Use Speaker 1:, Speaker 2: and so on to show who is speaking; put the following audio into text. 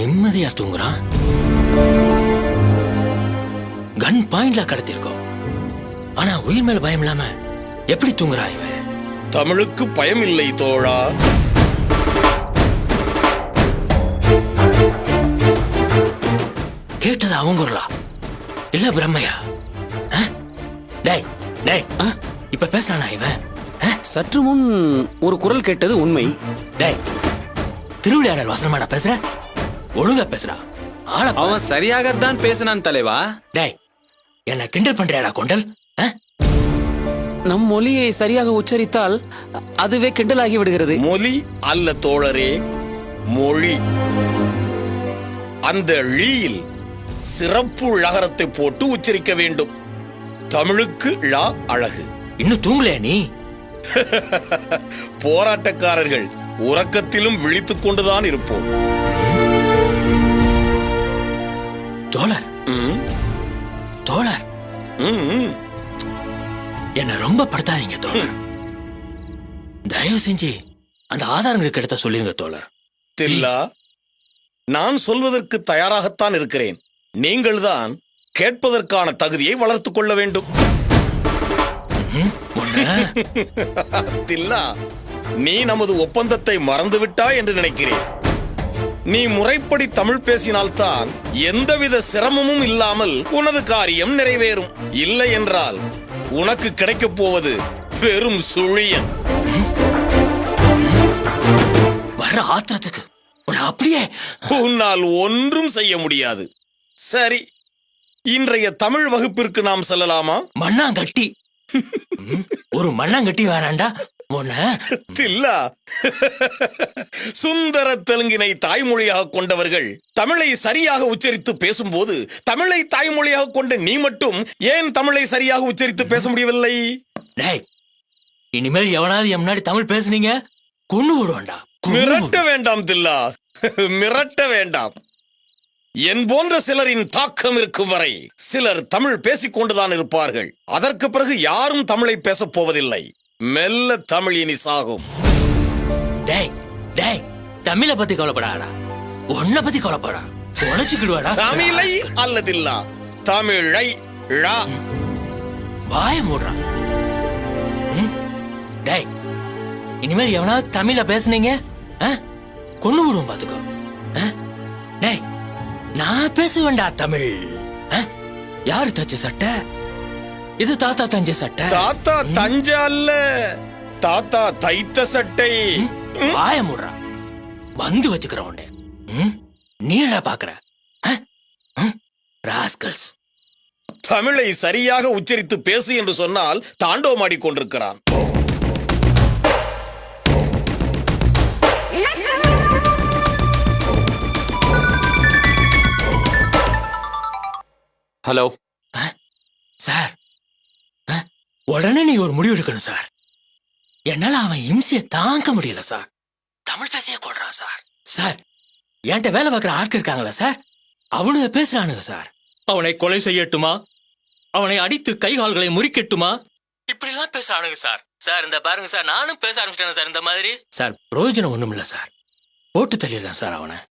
Speaker 1: நிம்மதியா தூங்குறான். கன் பாயிண்ட்ல கடத்திருக்கோம். ஆனா உயிர் மேல பயம் இல்லாம எப்படி தூங்குறா இவன்?
Speaker 2: தமிழுக்கு பயம் இல்லை தோழா.
Speaker 1: கேட்டது அவங்குறலா இல்ல பிரம்மையா? டேய் டேய், இப்ப பேசுறானா இவன்?
Speaker 3: சற்று முன் ஒரு குரல் கேட்டது உண்மை.
Speaker 1: டேய், திருவிளையாடல் வசனமாடா பேசுற? ஒழுங்கா பேசுறா.
Speaker 3: அவன் சரியாகத்தான் பேசினான் தலைவா.
Speaker 1: டேய், என்ன கிண்டல் பண்றியாடா கொண்டல்?
Speaker 3: நம் மொழியை சரியாக உச்சரித்தால் அதுவே கிண்டலாகி விடுகிறது.
Speaker 2: மொழி அல்ல தோழரே, மொழி. அந்த ழீயில் சிறப்பு ழகரத்தை போட்டு உச்சரிக்க வேண்டும். தமிழுக்கு ழா அழகு.
Speaker 1: இன்னும் தூங்கலையா நீ?
Speaker 2: போராட்டக்காரர்கள் உறக்கத்திலும் விழித்துக் கொண்டுதான் இருப்போம்.
Speaker 1: தோழர், தோழர், என்ன ரொம்ப படுத்தாதீங்க தோழர். தயவு செஞ்சு அந்த ஆதாரங்களுக்கு எடுத்த சொல்லுங்க தோழர்.
Speaker 2: தில்லா, நான் சொல்வதற்கு தயாராகத்தான் இருக்கிறேன். நீங்கள் தான் கேட்பதற்கான தகுதியை வளர்த்துக் கொள்ள வேண்டும். தில்லா, நீ நமது ஒப்பந்தத்தை மறந்துவிட்டாய் என்று நினைக்கிறேன். நீ முறைப்படி தமிழ் பேசினால்தான் எந்தவித சிரமமும் இல்லாமல் உனது காரியம் நிறைவேறும். இல்லை என்றால் உனக்கு கிடைக்கப் போவது வெறும் சுழியன்.
Speaker 1: வர ஆத்திரத்துக்கு அப்படியே
Speaker 2: உன்னால் ஒன்றும் செய்ய முடியாது. சரி, இன்றைய தமிழ் வகுப்பிற்கு நாம் செல்லலாமா?
Speaker 1: மண்ணாங்கட்டி. ஒரு மண்ணாங்கட்டி வேணாண்டா.
Speaker 2: தில்லா, சுந்தர தெலுங்கினை தாய்மொழியாக கொண்டவர்கள் தமிழை சரியாக உச்சரித்து பேசும்போது தமிழை தாய்மொழியாக கொண்ட நீ மட்டும் ஏன் தமிழை சரியாக உச்சரித்து பேச முடியவில்லை?
Speaker 1: டேய், இனிமேல் எவனாவது என் முன்னாடி தமிழ் பேசுனீங்க கொண்டு விடுவான்டா.
Speaker 2: மிரட்ட வேண்டாம் தில்லா, மிரட்ட வேண்டாம். என் போன்ற சிலரின் தாக்கம் இருக்கும் வரை சிலர் தமிழ் பேசிக்கொண்டுதான் இருப்பார்கள். அதற்கு பிறகு யாரும் தமிழை பேசப் போவதில்லை. மெல்ல தமிழ் இனி சாகும்.
Speaker 1: டேய் டேய், தமிழை பத்தி கவலைப்படாடா, உன்னை பத்தி கவலைப்படா. உழைச்சுக்கிடுவாடா.
Speaker 2: தமிழை அல்லதில்லா, தமிழை ழா.
Speaker 1: வாய மூடுறா. டேய், இனிமேல் எவனாவது தமிழ பேசுனீங்க கொண்டு விடுவோம் பாத்துக்கோ. டேய், நான் பேசுவேன்டா தமிழ். யாரு தச்ச சட்டை? இது தாத்தா தஞ்ச சட்டை.
Speaker 2: தாத்தா தஞ்ச அல்ல, தாத்தா தைத்த சட்டை.
Speaker 1: வாய மூடுறா. வந்து வச்சுக்கிற உண்டே. நீடா பாக்குற ராஸ்கல்ஸ்.
Speaker 2: தமிழை சரியாக உச்சரித்து பேசு என்று சொன்னால் தாண்டவமாடி கொண்டிருக்கிறான்.
Speaker 3: ஹலோ
Speaker 1: சார், உடனே நீ ஒரு முடிவு எடுக்கணும் சார். என்னால அவன் இம்சையை தாங்க முடியல சார். தமிழ் பேசிய கொள்றான் சார். சார், என்கிட்ட வேலை பார்க்குற ஆட்கள் இருக்காங்களா சார், அவனுங்க பேசுறானுங்க சார். அவனை கொலை செய்யட்டுமா, அவனை அடித்து கை கால்களை முறிக்கட்டுமா, இப்படி எல்லாம் பேசுறானுங்க சார். சார் இந்த பாருங்க சார், நானும் பேச ஆரம்பிச்சிட்டேன் சார் இந்த மாதிரி. சார் பிரயோஜனம் ஒண்ணும் இல்ல சார், போட்டு தள்ளிடலாம் சார் அவனை.